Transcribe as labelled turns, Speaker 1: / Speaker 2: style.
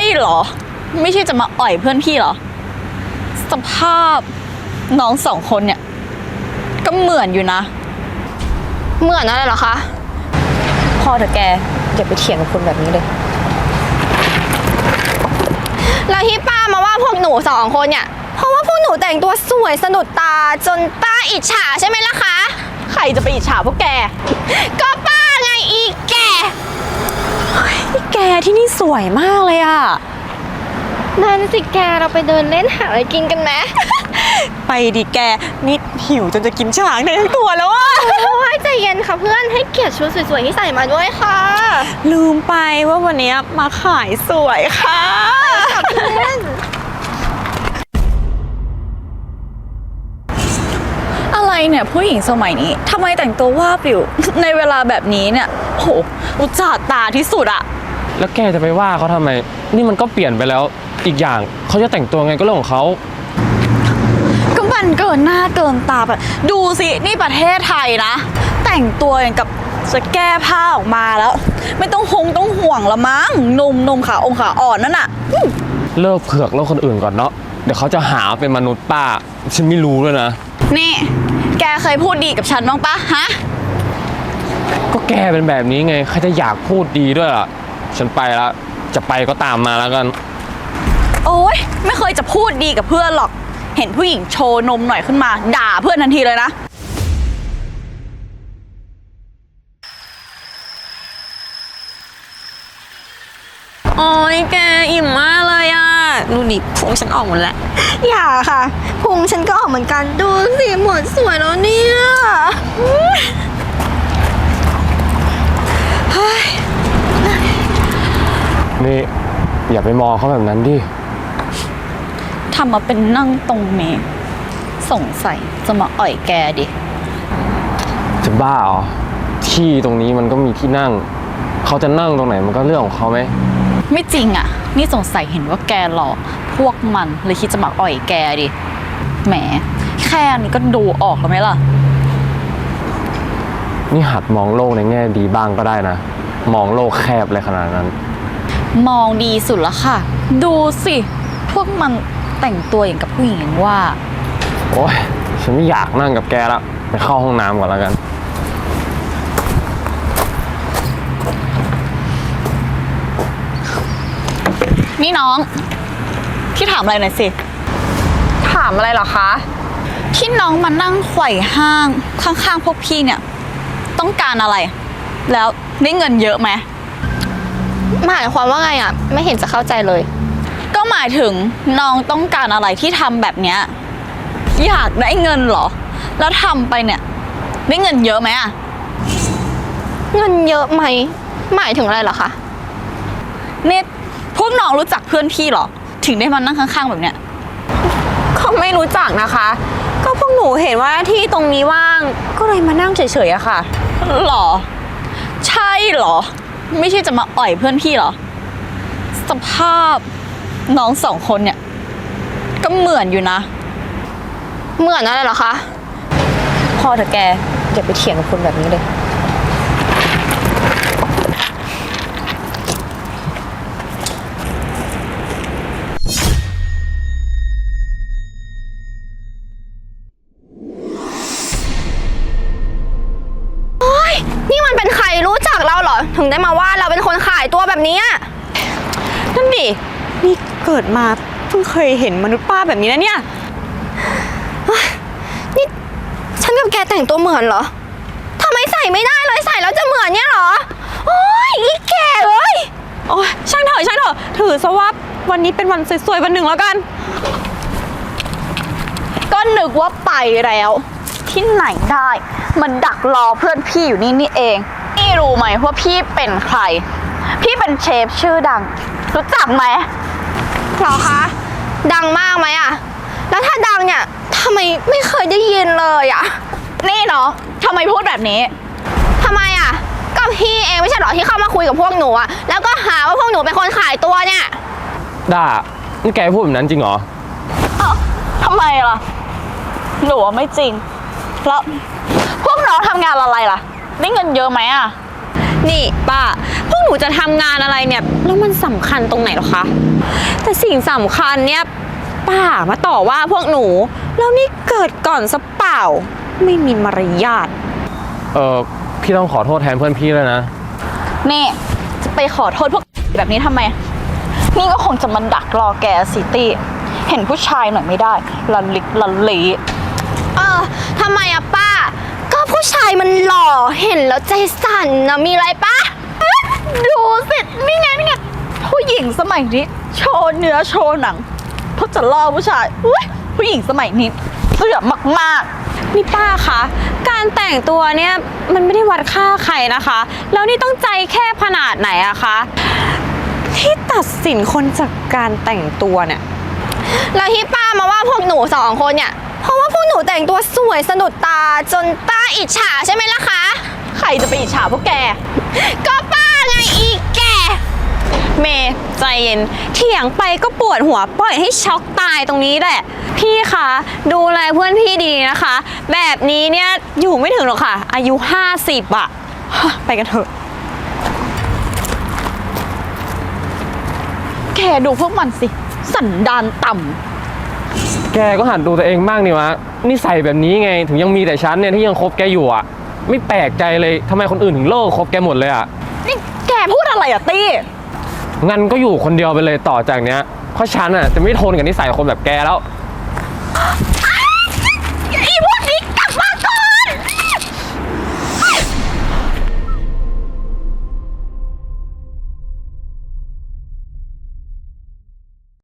Speaker 1: เหรอไม่ใช่จะมาอ่อยเพื่อนพี่เหรอสภาพน้องสองคนเนี่ยก็เหมือนอยู่นะ
Speaker 2: เหมือนอะไรเหรอคะ
Speaker 1: พอเถอะแกอย่าไปเถียงกับคนแบบนี้เลย
Speaker 2: แล้วที่ป้ามาว่าพวกหนูสองคนเนี่ยเพราะว่าพวกหนูแต่งตัวสวยสะดุดตาจนป้าอิจฉาใช่ไหมล่ะคะ
Speaker 1: ใครจะไปอิจฉาพวกแก
Speaker 2: ก็ป้าไงอีแก
Speaker 1: แกที่นี่สวยมากเลยอะ
Speaker 2: นั่นสิแกเราไปเดินเล่นหาอะไรกินกันไหม
Speaker 1: ไปดิแกนี่หิวจนจะกินช้างในทั้งตัวแล้วอะ
Speaker 2: โอ้ยใจเย็นค่ะเพื่อนให้เกียรติชุดสวยๆที่ใส่มาด้วยค่ะ
Speaker 1: ลืมไปว่าวันนี้มาขายสวยค่ะเพื่อนอะไรเนี่ยผู้หญิงสมัยนี้ทำไมแต่งตัวว่าปิวในเวลาแบบนี้เนี่ยโหอุจจาตาที่สุดอะ
Speaker 3: แล้วแกจะไปว่าเขาทำไมนี่มันก็เปลี่ยนไปแล้วอีกอย่างเขาจะแต่งตัวไงก็เรื่องของเขา
Speaker 1: ก็มันเกินหน้าเกินตาแบบดูสินี่ประเทศไทยนะแต่งตัวอย่างกับจะแก้ผ้าออกมาแล้วไม่ต้องห่วงละมั้งนมขาอ่อนนั่นน่ะ
Speaker 3: เลิกเผือกโลกคนอื่นก่อนเนาะเดี๋ยวเขาจะหาเป็นมนุษย์ป้าฉันไม่รู้ด้วยนะ
Speaker 1: นี่แกเคยพูดดีกับฉันบ้างปะฮะ
Speaker 3: ก็แกเป็นแบบนี้ไงใครจะอยากพูดดีด้วยล่ะฉันไปแล้วจะไปก็ตามมาแล้วกัน
Speaker 1: โอ๊ยไม่เคยจะพูดดีกับเพื่อนหรอกเห็นผู้หญิงโชว์นมหน่อยขึ้นมาด่าเพื่อนทันทีเลยนะโอ๊ยแกอิ่มมากเลยอ่ะดูดิพุงฉันออกหมดแล้ว
Speaker 2: อย่าค่ะพุงฉันก็ออกเหมือนกันดูสิหมดสวยแล้วเนี่ย
Speaker 3: นี่อย่าไปมองเขาแบบนั้นดิ
Speaker 1: ทำมาเป็นนั่งตรงนี้สงสัยจะมาอ่อยแกดิ
Speaker 3: จะบ้าเหรอที่ตรงนี้มันก็มีที่นั่งเขาจะนั่งตรงไหนมันก็เรื่องของเขาไหม
Speaker 1: ไม่จริงอ่ะนี่สงสัยเห็นว่าแกหล่อพวกมันเลยคิดจะมาอ่อยแกดิแหมแค่นี้ก็ดูออกแล้วไหมล่ะ
Speaker 3: นี่หัดมองโลกในแง่ดีบ้างก็ได้นะมองโลกแคบเลยขนาดนั้น
Speaker 1: มองดีสุดละค่ะดูสิพวกมันแต่งตัวอย่างกับผู้หญิงว่า
Speaker 3: โอ๊ยฉันไม่อยากนั่งกับแกแล้วไปเข้าห้องน้ำก่อนแล้วกัน
Speaker 1: นี่น้องพี่ถามอะไรหน่อยสิ
Speaker 2: ถามอะไรเหรอคะ
Speaker 1: ที่น้องมานั่งไขว่ห้างข้างๆพวกพี่เนี่ยต้องการอะไรแล้วได้เงินเยอะไหม
Speaker 2: หมายความว่าไงอ่ะไม่เห็นจะเข้าใจเลย
Speaker 1: ก็หมายถึงน้องต้องการอะไรที่ทำแบบเนี้ยอยากได้เงินเหรอแล้วทำไปเนี่ยได้เงินเยอะไหมอะ
Speaker 2: เงินเยอะไหมหมายถึงอะไรเหรอคะ
Speaker 1: เนี่ยพวกน้องรู้จักเพื่อนพี่เหรอถึงได้มานั่งข้างๆแบบเนี้ย
Speaker 2: ก็ไม่รู้จักนะคะก็พวกหนูเห็นว่าที่ตรงนี้ว่างก็เลยมานั่งเฉยๆอะค่ะ
Speaker 1: หรอใช่เหรอไม่ใช่จะมาอ่อยเพื่อนพี่เหรอสภาพน้องสองคนเนี่ยก็เหมือนอยู่นะ
Speaker 2: เหมือนอะไรเหรอคะ
Speaker 1: พอเถอะแกอย่าไปเถียงกับคนแบบนี้เลย
Speaker 2: นี่มันเป็นใครรู้จักเราเหรอถึงได้มาว่าเราเป็นคนขายตัวแบบนี้
Speaker 1: นั่นดินี่เกิดมาเพิ่งเคยเห็นมนุษย์ป้าแบบนี้นะเนี่ย
Speaker 2: นี่ฉันกับแกแต่งตัวเหมือนเหรอทำไมใส่ไม่ได้เลยใส่แล้วจะเหมือนเนี่ยเหรอโอ้ยอีแกเลย
Speaker 1: โอ้ยช่างเถอะถือซะว่าวันนี้เป็นวันสวยๆวันหนึ่งแล้วกันก็นึกว่าไปแล้วที่ไหนได้มันดักรอเพื่อนพี่อยู่นี่เองนี่รู้ไหมว่าพี่เป็นใครพี่เป็นเชฟชื่อดังรู้จักไหม
Speaker 2: หรอคะดังมากไหมอะแล้วถ้าดังเนี่ยทำไมไม่เคยได้ยินเลยอะ
Speaker 1: นี่เนาะทำไมพูดแบบนี้
Speaker 2: ทำไมอะก็พี่เองไม่ใช่หรอที่เข้ามาคุยกับพวกหนูอะแล้วก็หาว่าพวกหนูเป็นคนขายตัวเนี่ย
Speaker 3: ด่านี่แกพูดแบบนั้นจริงเหรอ
Speaker 1: ทำไมล่ะหนูว่าไม่จริงแล้วพวกน้องทำงานอะไรล่ะได้เงินเยอะไหมอะ
Speaker 2: นี่ป้า พวกหนูจะทำงานอะไรเนี่ยแล้วมันสำคัญตรงไหนหรอคะ แต่สิ่งสำคัญเนี่ยป้ามาต่อว่าพวกหนูแล้วนี่เกิดก่อนซะเปล่า ไม่มีมารยาท
Speaker 3: พี่ต้องขอโทษแทนเพื่อนพี่เลยนะ
Speaker 1: นี่จะไปขอโทษพวกแบบนี้ทำไม นี่ก็คงจะมันดักรอแกสิตี้เห็นผู้ชายหน่อยไม่ได้ลันลิกลันลี
Speaker 2: ทำไมอะป้า ก็ผู้ชายมันหล่อเห็นแล้วใจสั่นนะมีอะไรป้า
Speaker 1: ดูสินี่ไงผู้หญิงสมัยนี้โชว์เนื้อโชว์หนังเพราะจะล่อผู้ชายอุ๊ยผู้หญิงสมัยนี้เสื่อมมาก
Speaker 2: นี่ป้าคะการแต่งตัวเนี่ยมันไม่ได้วัดค่าใครนะคะ แล้วนี่ต้องใจแคบขนาดไหนอะคะที่ตัดสินคนจากการแต่งตัวเนี่ยแล้วที่ป้ามาว่าพวกหนูสองคนเนี่ยเพราะว่าพวกหนูแต่งตัวสวยสะดุดตาจนป้าอิจฉาใช่ไหมล่ะคะ
Speaker 1: ๆใครจะไปอิจฉาพวกแก
Speaker 2: ก็ป้าไงอีกแกเมย์ใจเย็นเถียงไปก็ปวดหัวปล่อยให้ช็อกตายตรงนี้แหละ พี่คะดูแลเพื่อนพี่ดีนะคะ แบบนี้เนี่ยอยู่ไม่ถึงหรอกค่ะ อายุ 50อะไปกันเถอะ
Speaker 1: แกดูพวกมันสิสันดานต่
Speaker 3: แกก็หัดดูตัวเองบ้างนี่วะนิสัยแบบนี้ไงถึงยังมีแต่ฉันเนี่ยที่ยังคบแกอยู่อ่ะไม่แปลกใจเลยทำไมคนอื่นถึงเลิกคบแกหมดเลยอ่ะ
Speaker 1: ำนี่แกพูดอะไรอะตี้
Speaker 3: งั้นก็อยู่คนเดียวไปเลยต่อจากเนี้ยเพราะฉันอ่ะจะไม่ทนกับนิสัยคนแบบแกแล้ว